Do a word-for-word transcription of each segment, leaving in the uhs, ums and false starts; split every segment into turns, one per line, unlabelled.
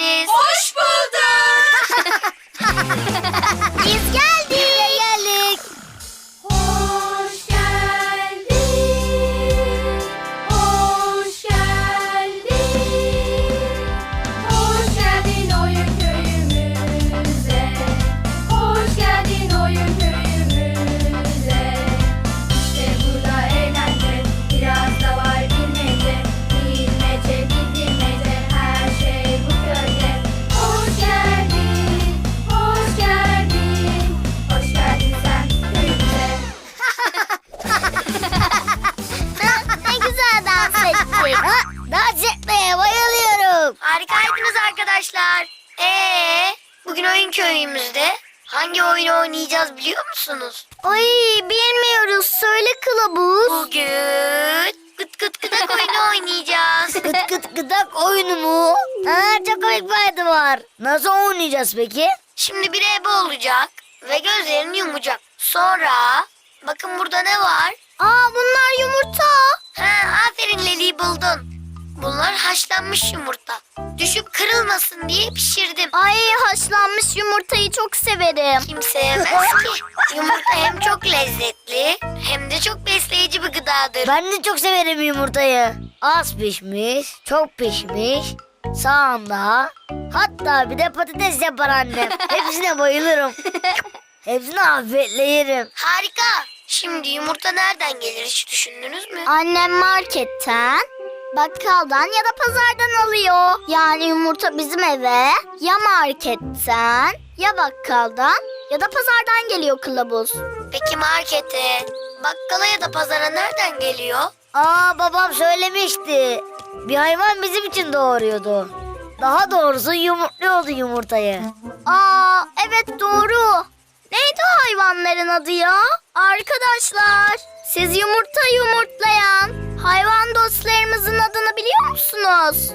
geldiniz.
Hoş bulduk.
Biz geldik.
Geldik.
Hoş geldin. Hoş geldin. Hoş geldin oyun köyümüze. Hoş geldin oyun köyümüze. İşte burada eğlence, biraz da var bilmece. Bilmece, bilmece, her şey bu köyde. Hoş geldin, hoş geldin. Hoş geldin sen köyümüze.
Ne güzel dans ettik.
Ha, dans etmeye bayılıyorum.
Harikaydınız arkadaşlar. Ee, bugün oyun köyümüzde hangi oyunu oynayacağız biliyor musunuz?
Ay bilmiyoruz. Söyle kılavuz.
Bugün gıt gıt gıdak oyunu oynayacağız.
Gıt gıt gıdak oyunu mu? Ha, çok komik bir adı var. Nasıl oynayacağız peki?
Şimdi bir ebe olacak ve gözlerini yumacak. Sonra bakın burada ne var?
Aa bunlar yumurta.
Ha, aferin Leli, buldun. Bunlar haşlanmış yumurta. Düşüp kırılmasın diye pişirdim.
Ay haşlanmış yumurtayı çok severim.
Kim sevmez ki? Yumurta hem çok lezzetli hem de çok besleyici bir gıdadır.
Ben de çok severim yumurtayı. Az pişmiş, çok pişmiş, sağında. Hatta bir de patates yapar annem. Hepsine bayılırım. Hepsini afiyetle yerim.
Harika. Şimdi yumurta nereden gelir hiç düşündünüz mü?
Annem marketten, bakkaldan ya da pazardan alıyor. Yani yumurta bizim eve ya marketten ya bakkaldan ya da pazardan geliyor kılavuz.
Peki markete, bakkala ya da pazara nereden geliyor?
Aa, babam söylemişti. Bir hayvan bizim için doğuruyordu. Daha doğrusu yumurtluyordu yumurtayı.
Aa evet doğru. Neydi o hayvanların adı ya? Arkadaşlar siz yumurta yumurtlayan hayvan dostlarımızın adını biliyor musunuz?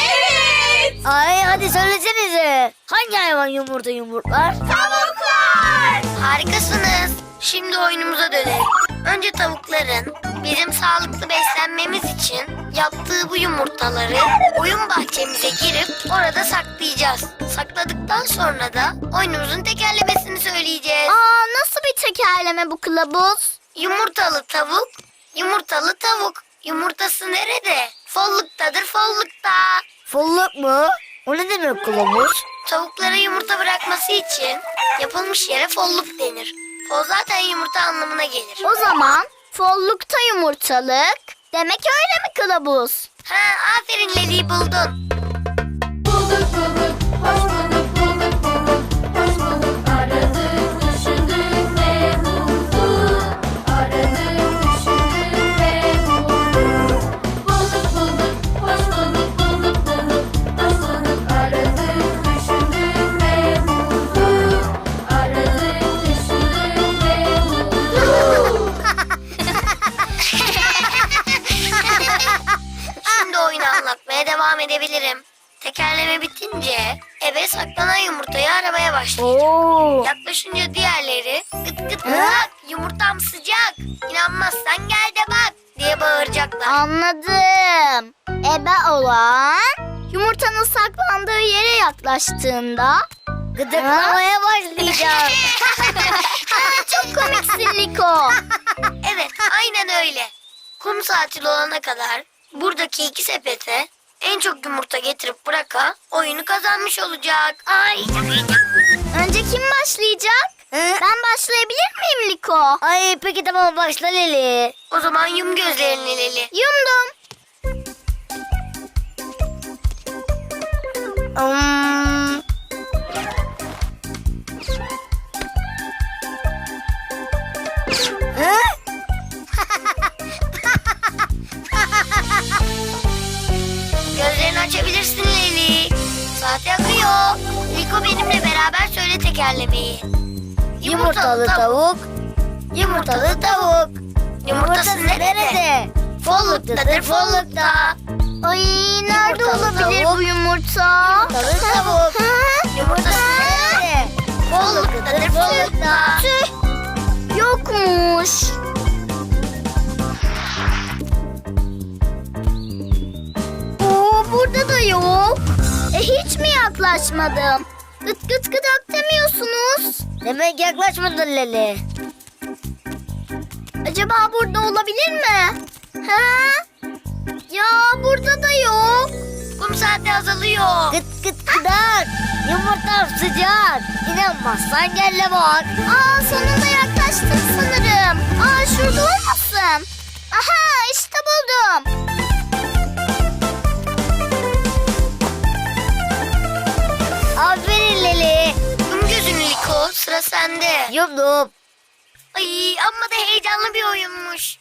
Evet.
Ay hadi söylesenize. Hangi hayvan yumurta yumurtlar?
Tavuklar.
Harikasınız. Şimdi oyunumuza dönelim. Önce tavukların bizim sağlıklı beslenmemiz için yaptığı bu yumurtaları oyun bahçemize girip orada saklayacağız. Sakladıktan sonra da oyunumuzun tekerlemesini söyleyeceğiz.
Aa nasıl bir tekerleme bu kılavuz?
Yumurtalı tavuk, yumurtalı tavuk. Yumurtası nerede? Folluktadır, follukta.
Folluk mu? O ne demek kılavuz?
Tavuklara yumurta bırakması için yapılmış yere folluk denir. Fol zaten yumurta anlamına gelir.
O zaman follukta yumurtalık demek öyle mi kılavuz?
Ha, aferin Leli, buldun.
Bulduk bulduk, hoş bulduk, bulduk bulduk, hoş bulduk. Aradık, düşündük ve bulduk. Aradık, düşündük ve bulduk. Bulduk bulduk, hoş bulduk, bulduk bulduk, hoş bulduk. Aradık, düşündük ve bulduk. Aradık, düşündük ve bulduk.
Şimdi oyunu anlatmaya devam edebilirim. Tekerleme bitince eve saklanan yumurtayı aramaya başlayacağım.
Oo.
Yaklaşınca diğerleri gıt gıt gıdak, yumurtam sıcak, İnanmazsan gel de bak diye bağıracaklar.
Anladım. Ebe olan yumurtanın saklandığı yere yaklaştığında
Gıdıklamaya başlayacağım.
Aa, çok komiksin Liko.
Evet, aynen öyle. Kum saati olana kadar buradaki iki sepete en çok yumurta getirip bırakan oyunu kazanmış olacak. Ay, çok heyecanlı.
Önce kim başlayacak?
Hı?
Ben başlayabilir miyim Liko?
Ay peki tamam, başla Leli.
O zaman yum gözlerini Leli.
Yumdum.
Hmm. Hı?
Gözlerini açabilirsin Leli. Saat yakıyor. Liko benimle beraber söyle tekerlemeyi.
Yumurtalı tavuk, yumurtalı tavuk.
Yumurtası nerede? Folluktadır, follukta.
Ay nerede
Yumurtalı
olabilir
tavuk.
bu yumurta?
Yumurtalı tavuk.
Hı?
Yumurtası nerede? Folluktadır, follukta.
Tüh. Yokmuş. Oo burada da yok. E hiç mi yaklaşmadım. Gıt gıt gıdak demiyorsunuz.
Demek yaklaşmadın Leli.
Acaba burada olabilir mi? Ha? Ya burada da yok.
Kum saati azalıyor.
Gıt gıt gıdak. Yumurtam sıcak. İnanmazsan gel de bak.
Aa sonunda yaklaştım sanırım. Aa şurada olmasın. Aha işte buldum.
Aferin Leli.
Yum gözünü Liko, sıra sende.
Yumdum.
Ay amma da heyecanlı bir oyunmuş.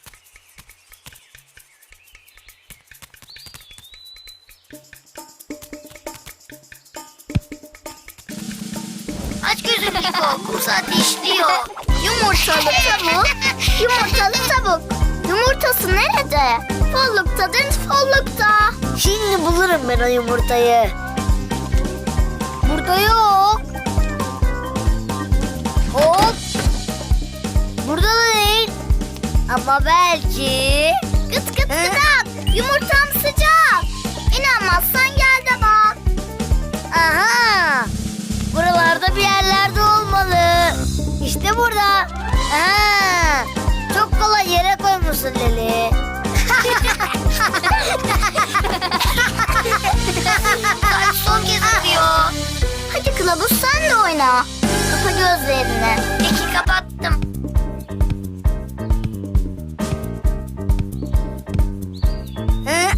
Aç gözünü Liko, kum saati işliyor.
Yumurtalı tavuk. Yumurtalı tavuk. Yumurtası nerede? Folluktadır follukta.
Şimdi bulurum ben o yumurtayı. Burada yok. Hop. Burada da değil. Ama belki.
Gıt gıt gıdak. Yumurtam sıcak. İnanmazsan gel de bak.
Aha. Buralarda bir yerlerde olmalı. İşte burada. Aha. Çok kolay yere koymuşsun Leli.
Saat son kez atıyor.
Hadi kılavuz sen de oyna. Kapa gözlerini.
Peki kapattım.
Hı?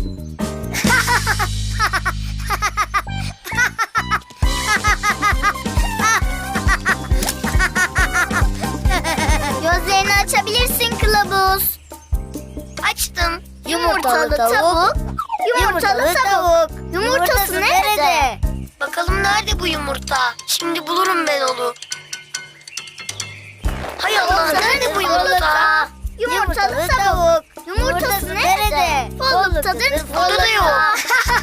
Gözlerini açabilirsin kılavuz.
Açtım.
Yumurtalı tavuk.
Yumurtalı tavuk. Yumurtası nerede?
Bakalım nerede bu yumurta? Şimdi bulurum ben onu. Hay Allah, nerede bu yumurta?
Yumurtalı tavuk. Yumurtası nerede? Folluktadır
Burada da yok.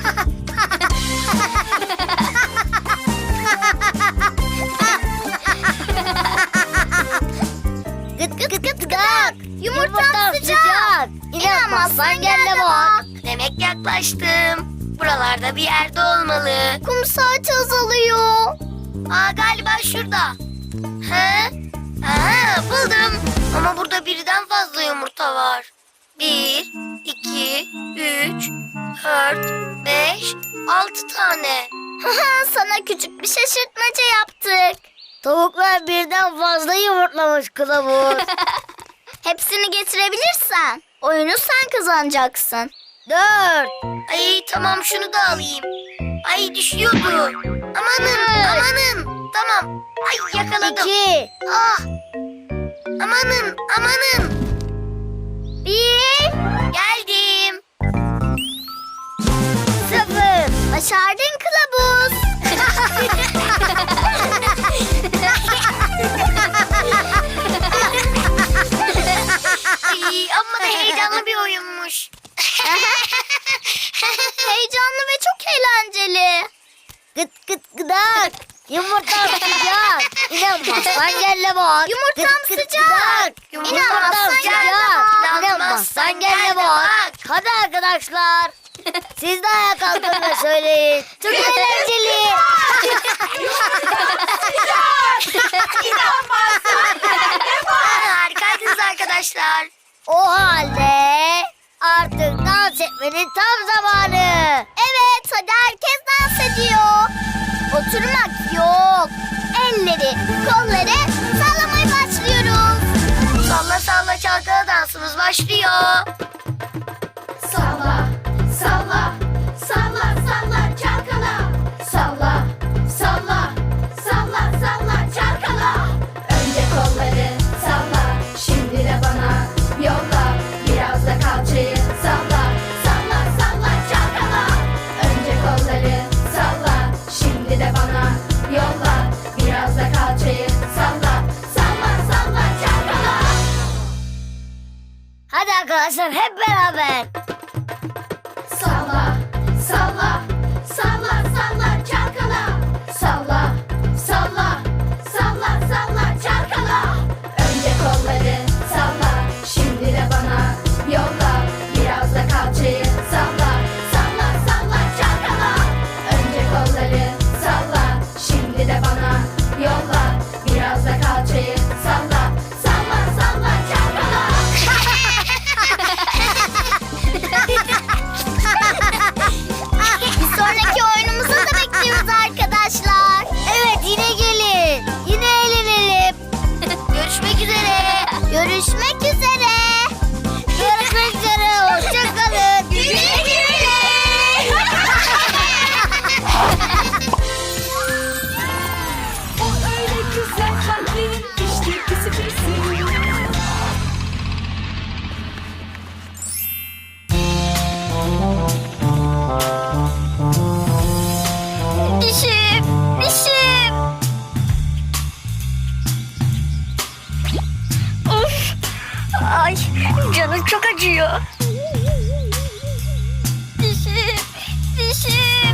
Gıt gıt gıt gıt gıdak.
Yumurtam sıcak.
İnanmazsan gel de bak.
Demek yaklaştım. Buralarda bir yerde olmalı.
Kum saati azalıyor.
Aa galiba şurada. He? Aha buldum. Ama burada birden fazla yumurta var. Bir, iki, üç, dört, beş, altı tane.
Sana küçük bir şaşırtmaca yaptık.
Tavuklar birden fazla yumurtlamış kılavuz.
Hepsini getirebilirsen oyunu sen kazanacaksın.
Dört.
Ay tamam, şunu da alayım. Ay düşüyordu. Amanın amanın. Tamam. Ay yakaladım.
İki.
Ah. Amanın amanın.
Bir,
Geldim.
Sıfır.
başardın kılavuz.
Ay amma da heyecanlı bir oyunmuş.
Heyecanlı ve çok eğlenceli.
Gıt gıt gıdak. Yumurtam sıcak. İnanmazsan gel de bak.
Yumurtam
Gıt gıt
sıcak.
gıdak.
İnanmazsan gel de bak.
İnanmazsan gel de bak. Hadi arkadaşlar. Siz de ayağa kalkın ve söyleyin. Çok eğlenceli.
Aa, harikaydınız arkadaşlar.
O halde artık dans etmenin tam zamanı.
Evet, hadi herkes dans ediyor. Oturmak yok. Elleri, kolları sallamaya başlıyoruz.
Salla salla çalkala dansımız başlıyor.
Salla, salla, salla, salla, çalkala. Salla, salla, salla, salla, çalkala. Önce kolları salla, şimdi de bana yolla. Biraz da kalçayı salla, salla, salla, çalkala. Önce kolları salla, şimdi de bana yolla. Biraz da kalçayı salla, salla, salla, çalkala.
Hadi arkadaşlar hep beraber.
Salla, salla, salla, salla, çalkala. Salla, salla, salla, salla, çalkala. Önce kolları salla, şimdi de bana yolla. Biraz da kalçayı salla, salla, salla, çalkala. Önce kolları salla, bir de bana yolla. Biraz da kalçayı salla. Salla salla çalkala.
Bir sonraki oyunumuza da bekliyoruz arkadaşlar.
Evet, yine gelin. Yine eğlenelim.
Görüşmek üzere. Görüşmek üzere.
Görüşmek üzere. Hoşçakalın.
Güle güle.
O öyle güzel kalplerin işte pisi pisi.
Dişim, dişim.
Of. Ay, canım çok acıyor.
Dişim, dişim.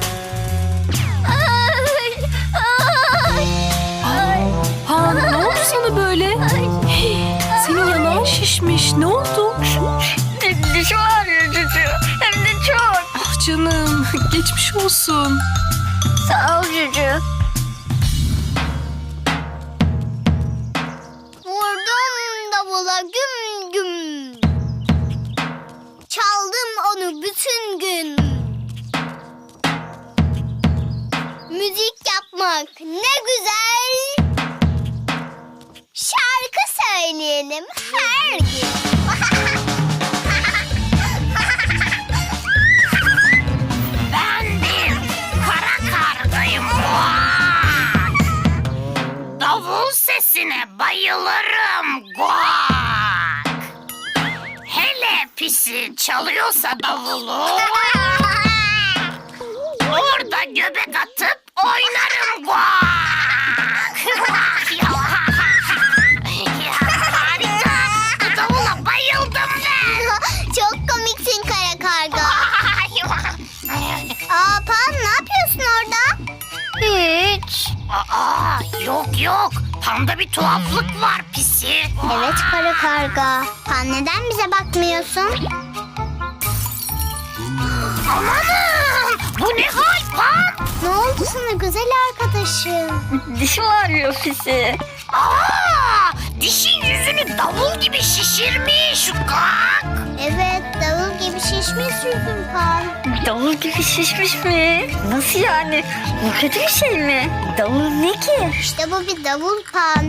Ay, ay, ay.
Ha, ne oldu sana böyle? Hey, senin yanağın şişmiş. Ne oldu?
Dişim ağrıyor Cucu. Hem de çok.
Ah canım, geçmiş olsun.
Sağ ol Cucu.
Vurdum davula güm güm. Çaldım onu bütün gün. Müzik yapmak ne güzel. Şarkı söyleyelim her gün.
Ben bir kara kargayım. Davul sesine bayılırım. Guak. Hele pisi çalıyorsa davulu. Orada göbek atıp oynarım. Guak. Harika. Bu davula bayıldım ben.
Çok komiksin kara karga. Aa Pan, ne yapıyorsun orada?
Hiç.
Aa, yok yok. Panda bir tuhaflık var pisi.
Evet kara karga. Pan, neden bize bakmıyorsun?
Amanın! Bu ne hal Pan?
Ne oldu sana güzel arkadaşım?
Dişim ağrıyor Pisi.
Aa, dişin yüzünü davul gibi şişirmiş. Kalk.
Evet, davul gibi şişmiş yüzün Pan.
Davul gibi şişmiş mi? Nasıl yani? Bu kötü bir şey mi? Davul ne ki?
İşte bu bir davul Pan.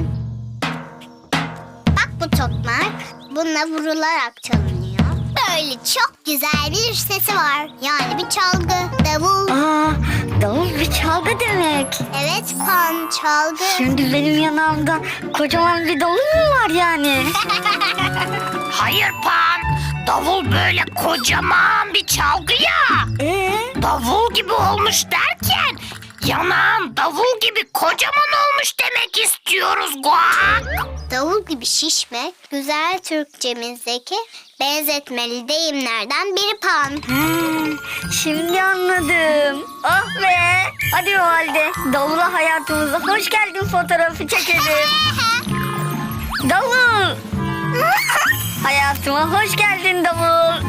Bak bu tokmak, bununla vurularak çalınıyor. Böyle çok güzel bir sesi var. Yani bir çalgı, davul.
Aa, davul bir çalgı demek.
Evet Pan, çalgı.
Şimdi benim yanağımda kocaman bir davul mu var yani?
Hayır Pan. Davul böyle kocaman bir çalgı ya.
Ee?
Davul gibi olmuş derken yanağın davul gibi kocaman olmuş demek istiyoruz Guak.
Davul gibi şişmek, güzel Türkçemizdeki benzetmeli deyimlerden biri Pan.
Hmm, şimdi anladım. Ah be. Hadi o halde davula hayatımıza hoş geldin fotoğrafı çekelim. Davul. Hayatıma hoş geldin davul.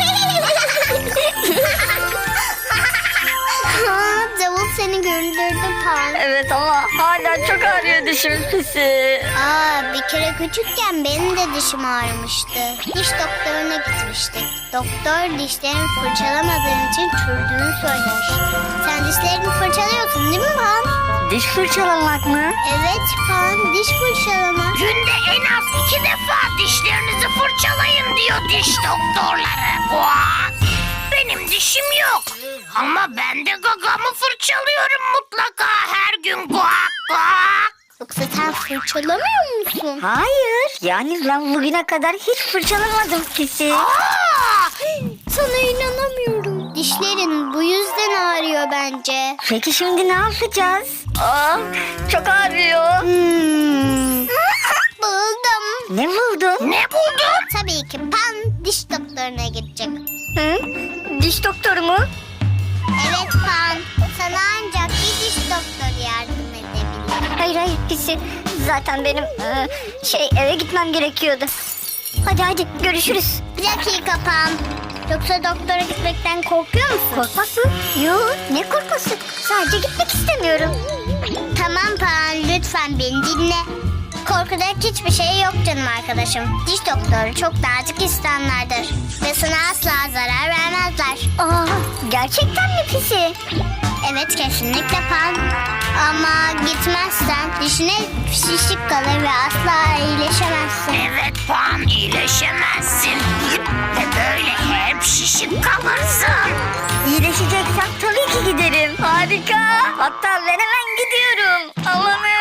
Ha, davul seni güldürdü Pan.
Evet ama hala çok ağrıyor dişim Pisi.
Aa, bir kere küçükken benim de dişim ağrımıştı. Diş doktoruna gitmiştik. Doktor dişlerini fırçalamadığın için çürüdüğünü söylemişti. Sen dişlerini fırçalıyorsun değil mi Pan?
Diş fırçalamak mı?
Evet Pan, diş fırçalama.
Günde en az iki defa dişlerinizi fırçalayın diyor diş doktorları. Guak. Benim dişim yok. Ama ben de gagamı fırçalıyorum mutlaka her gün. Guak guak.
Yoksa sen fırçalamıyor musun?
Hayır. Yani ben bugüne kadar hiç fırçalamadım Pisi.
Aa,
Sana inanamıyorum. Dişlerin bu yüzden ağrıyor bence.
Peki şimdi ne yapacağız? Aa, çok ağrıyor.
Hmm. Buldum.
Ne buldun?
ne buldun?
Tabii ki Pan diş doktoruna gidecek.
Hı? Diş doktoru mu?
Evet Pan, sana ancak bir diş doktoru yardım edebilir.
Hayır hayır Pisi. Zaten benim e, şey eve gitmem gerekiyordu. Hadi hadi görüşürüz.
Bir dakika Pan. Yoksa doktora gitmekten korkuyor musun? Korkmak mı? Yok, ne korkması? Sadece gitmek istemiyorum. Tamam Pan, lütfen beni dinle. Korkacak hiçbir şey yok canım arkadaşım. Diş doktoru çok nazik insanlardır. Ve sana asla zarar vermezler. Aa, gerçekten mi pisi? Evet, kesinlikle Pan. Ama gitmezsen dişine şişlik kalır ve asla iyileşemezsin.
Evet Pan, iyileşemezsin. Ve böyle hep şişip kalırsın.
İyileşeceksem tabii ki giderim. Harika. Hatta ben hemen gidiyorum. Amanın.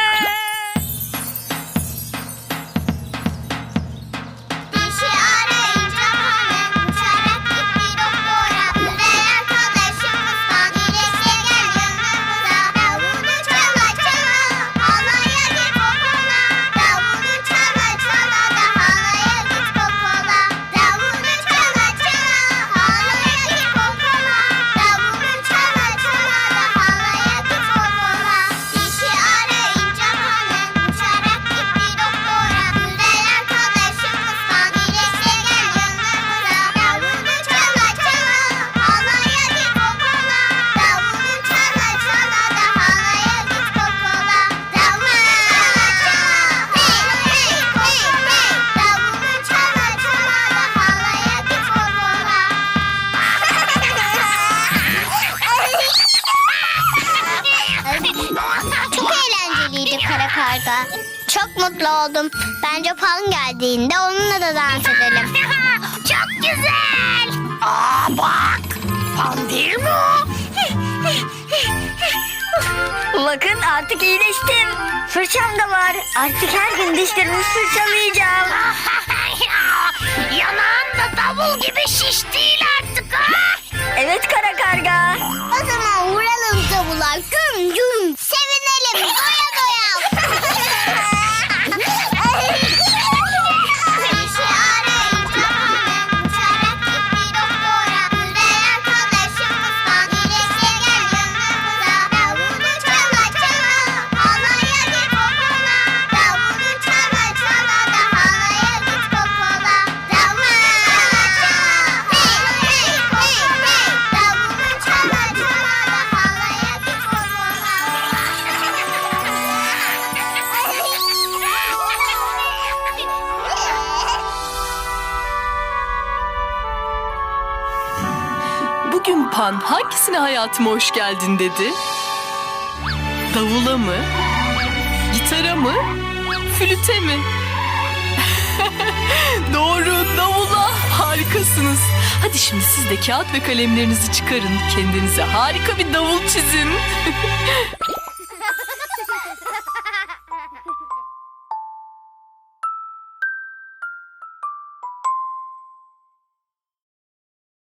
Dişi arayınca hemen uçarak gitti doktora. Ve arkadaşımız Pan iyileşti gel yanımıza. Davulu çala çala halaya git popola. Davulu çala çala da halaya git popola. Davulu çala çala halaya git popola. Davulu çala çala da halaya git popola. Dişi arayınca hemen uçarak gitti doktora. Güzel arkadaşımız Pan iyileşti gel yanımıza. Davulu çala çala halaya git popola. Davulu çala çala da halaya git popola. Davulu çala hey hey hey hey. Davulu çala çala da halaya git popola. Çok eğlenceliydi kara karga. Çok mutlu oldum. Bence Pan geldiğinde onunla da dans edelim.
Çok güzel. Aa bak. Pan değil mi o?
Bakın artık iyileştim. Fırçam da var. Artık her gün dişlerimi fırçalayacağım.
Yanağın da davul gibi şiş değil artık ha.
Evet kara karga.
O zaman vuralım davula. Güm güm. Sevinelim. Doya doya. Dişi arayınca hemen uçarak gitti doktora. Güzel arkadaşımız Pan iyileşti gel yanımıza. Davulu çala çala halaya git popola. Davulu çala çala da halaya git popola. Davulu çala hey hey hey hey. Davulu çala çala da halaya git popola.
Bugün Pan hangisine hayatıma hoş geldin dedi? Davula mı? Gitara mı? Flüte mi? Doğru, davula. Harikasınız. Hadi şimdi siz de kağıt ve kalemlerinizi çıkarın. Kendinize harika bir davul çizin.